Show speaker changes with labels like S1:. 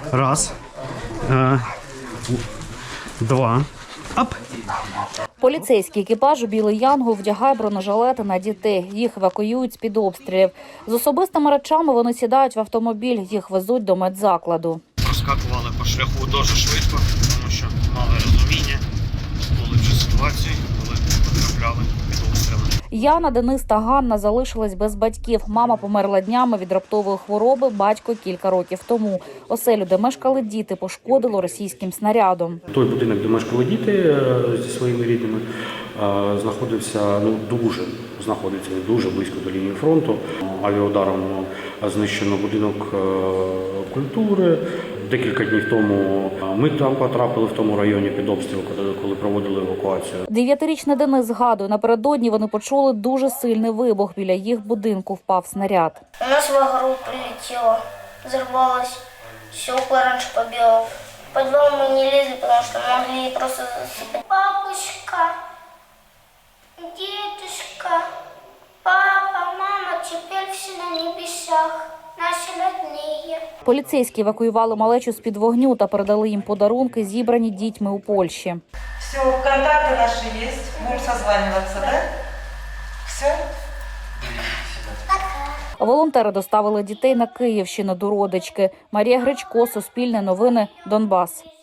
S1: Раз. Два. Ап.
S2: Поліцейський екіпаж «Білий Янгол» вдягає бронежилети на дітей. Їх евакуюють з-під обстрілів. З особистими речами вони сідають в автомобіль, їх везуть до медзакладу.
S1: Розкакували по шляху дуже швидко, тому що мали розуміння, були вже ситуації, коли потрапляли під обстріли.
S2: Яна, Денис та Ганна залишились без батьків. Мама померла днями від раптової хвороби, батько кілька років тому. Оселю, де мешкали діти, пошкодило російським снарядом.
S3: Той будинок, де мешкали діти зі своїми рідними, знаходиться дуже близько до лінії фронту. Авіаударом знищено будинок культури. Декілька днів тому ми там потрапили в тому районі під обстріл, коли проводили евакуацію.
S2: 9-річний Денис згадує, напередодні вони почули дуже сильний вибух. Біля їх будинку впав снаряд.
S4: У нас в огород прилетело, взорвалось, стекла раньше побило. В подвал мы не лезли, потому что могли просто засыпать. Бабушка, дедушка, папа, мама, теперь все на небесах. Наші родні.
S2: Поліцейські евакуювали малечу з-під вогню та передали їм подарунки, зібрані дітьми у Польщі.
S5: Все, контакти наші є, будемо созванюватися, так? Все?
S2: Волонтери доставили дітей на Київщину до родички. Марія Гречко, Суспільне новини, Донбас.